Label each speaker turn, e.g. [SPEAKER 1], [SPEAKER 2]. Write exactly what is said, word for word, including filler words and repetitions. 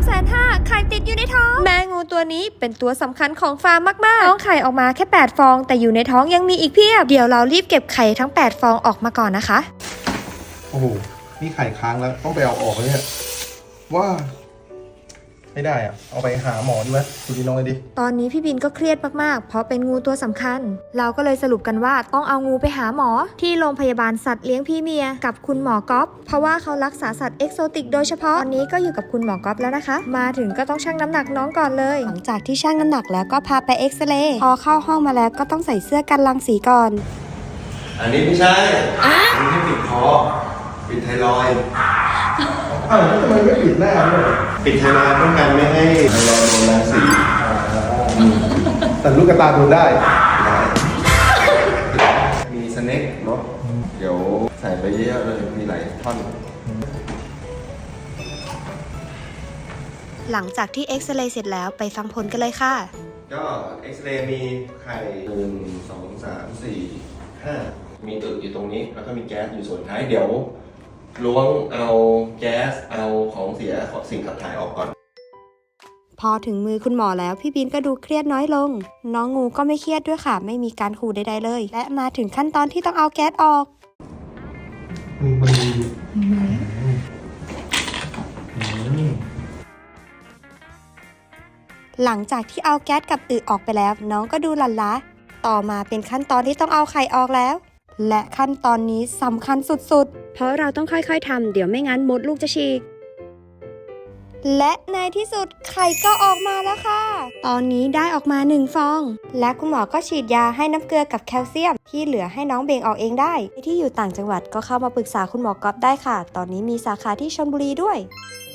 [SPEAKER 1] แสนห้าไข่ติดอยู่ในท้องแม่งูตัวนี้เป็นตัวสำคัญของฟาร์มมากๆท้องไข่ออกมาแค่แปดฟองแต่อยู่ในท้องยังมีอีกเพียบเดี๋ยวเรารีบเก็บไข่ทั้งแปดฟองออกมาก่อนนะคะ
[SPEAKER 2] โอ้โหนี่ไข่ค้างแล้วต้องไปเอาออกเลยเนี่ยว่าไม่ได้อะเอาไปหาหมอดีไหมดูดีน้องเลยดิ
[SPEAKER 1] ตอนนี้พี่บินก็เครียดมากๆเพราะเป็นงูตัวสำคัญเราก็เลยสรุปกันว่าต้องเอางูไปหาหมอที่โรงพยาบาลสัตว์เลี้ยงพี่เมียกับคุณหมอก๊อฟเพราะว่าเขารักษาสัตว์เอกโซติกโดยเฉพาะตอนนี้ก็อยู่กับคุณหมอก๊อฟแล้วนะคะมาถึงก็ต้องชั่งน้ำหนักน้องก่อนเลยหลังจากที่ชั่งน้ำหนักแล้วก็พาไปเอ็กซเรย์พอเข้าห้องมาแล้วก็ต้องใส่เสื้อกันรังสีก่อน
[SPEAKER 3] อันนี้ไม่ใช่อันนี้ปิดคอปิดไทรอยด์
[SPEAKER 2] อ้าวทำไมไม่ปิดหน้าด้วย
[SPEAKER 3] ปิดไทรอยด์ป้องกันไม่ให้ไทรอยด์โดนรังสี
[SPEAKER 2] แต่ลูกกระตาโดนได้
[SPEAKER 3] มีสเน็กเนาะเดี๋ยวใส่ไปเยอะเลยมีหลายท่อน
[SPEAKER 1] หลังจากที่เอ็กซเรย์เสร็จแล้วไปฟังผลกันเลยค่ะ
[SPEAKER 3] ก็เอ็กซเรย์มีไข่หนึ่งสองสามสี่ห้ามีตึกอยู่ตรงนี้แล้วก็มีแก๊สอยู่ส่วนท้ายเดี๋ยวล้วงเอาแก๊สเอาของเสียของสิ่งขับถ่ายออกก่อน
[SPEAKER 1] พอถึงมือคุณหมอแล้วพี่บินก็ดูเครียดน้อยลงน้องงูก็ไม่เครียดด้วยค่ะไม่มีการขู่ใดๆเลยและมาถึงขั้นตอนที่ต้องเอาแก๊สออกหลังจากที่เอาแก๊สกับอึออกไปแล้วน้องก็ดูหลั่นล้าต่อมาเป็นขั้นตอนที่ต้องเอาไข่ออกแล้วและขั้นตอนนี้สำคัญสุดๆเพราะเราต้องค่อยๆทำเดี๋ยวไม่งั้นมดลูกจะฉีกและในที่สุดไข่ก็ออกมาแล้วค่ะตอนนี้ได้ออกมาหนึ่งฟองและคุณหมอก็ฉีดยาให้น้ำเกลือกับแคลเซียมที่เหลือให้น้องเบ่งออกเองได้ที่อยู่ต่างจังหวัดก็เข้ามาปรึกษาคุณหมอก๊อฟได้ค่ะตอนนี้มีสาขาที่ชลบุรีด้วย